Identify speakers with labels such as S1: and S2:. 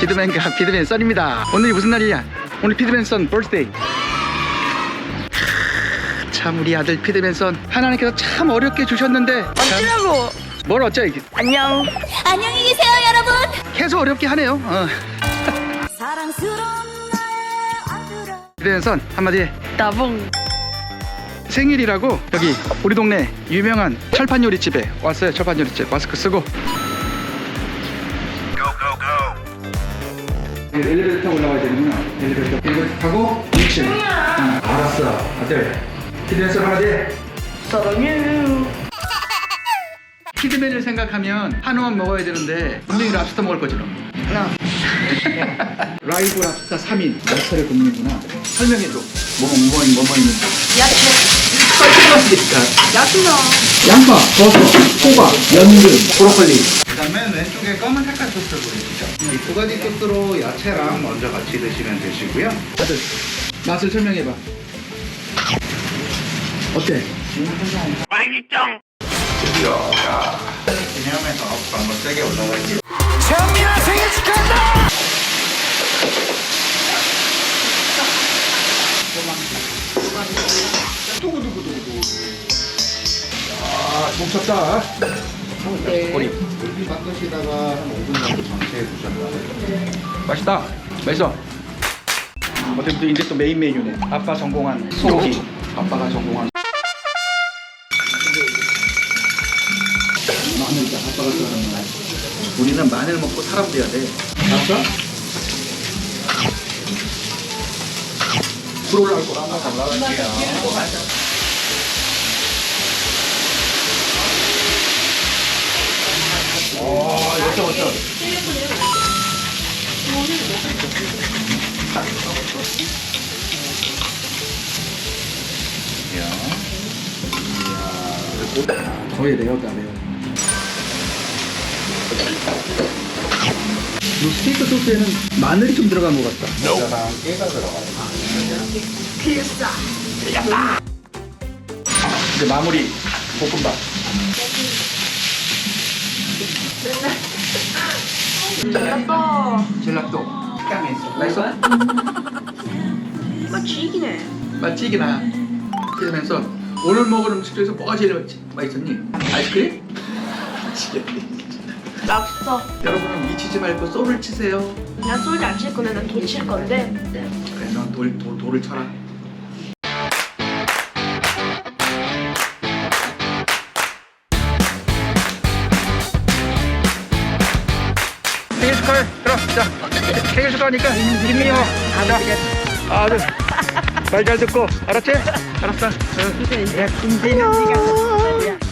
S1: 피드맨과 피드맨 썬입니다. 오늘이 무슨 날이야? 오늘 피드맨 썬 버스데이. 참 우리 아들 피드맨 썬 하나님께서 참 어렵게 주셨는데
S2: 어쩌라고.
S1: 뭘 어쩌 이게
S2: 안녕.
S3: 안녕히 계세요, 여러분.
S1: 계속 어렵게 하네요.
S3: 사랑스러운 나의 아들아.
S1: 피드맨 썬 한마디 해.
S2: 나봉.
S1: 생일이라고 여기 우리 동네 유명한 철판 요리집에 왔어요. 철판 요리집 마스크 쓰고 엘리베이터 타고 올라가야 되는구나. 엘리베이터 타고 2층. 알았어 아들. 피드맨 썬 한마디 해.
S2: 사랑해요.
S1: 피드맨을 생각하면 한우만 먹어야 되는데 분명히 랍스터 먹을 거죠. 라이브 랍스터 3인 야채를 굽는구나. 설명해줘. 뭐뭐 있는지.
S2: 야채.
S1: 야채나 양파, 버섯, 호박, 연근, 브로콜리.
S4: 그다음에 왼쪽에 검은 색깔 소스를 보여주죠. 이 두 가지 소스로 야채랑 먼저 같이 드시면 되시고요.
S1: 아들 맛을 설명해봐. 어때?
S4: 기념해서 한번 세게 올라갈게요.
S1: 정민아 생일 축하한다! 두구두구두구. 아, 뭉쳤다. 꼬리.
S4: 물기 바꾸시다가 한 5분 정도 전체해 두셨다가
S1: 맛있다. 맛있어. 어때부터 이제 또 메인 메뉴네. 아빠 전공한 소고기. 아빠가 전공한 마늘이다. 아빠가 좋아하는 마늘. 우리는 마늘 먹고 사람 돼야 돼. 알았어? 불 올라갈 거라. 어쩌. 거의 레어다 레어. 이 스테이크 소스에는 마늘이 좀 들어간 것 같다.
S4: 겨자랑 깨가 들어가요.
S1: 이제 마무리 볶음밥. 젤라또. 식감이 있어. 맛있어?
S2: 맛 쥐기네.
S1: 맛지기나. 그러면서 오늘 먹은 음식 중에서 뭐가 제일 맛있었니? 아이스크림?
S2: 랍스터.
S1: 여러분은 미치지 말고 쏘를 치세요.
S2: 난 소리 안 칠 건데 난 돌 칠 건데.
S1: 그래 넌 돌을 쳐라. 생일 축하해. 그럼 자 생일 축하하니까 김민호. 아들 말 잘 듣고 알았지? 알았어. 응.
S2: 야, 김대는 네가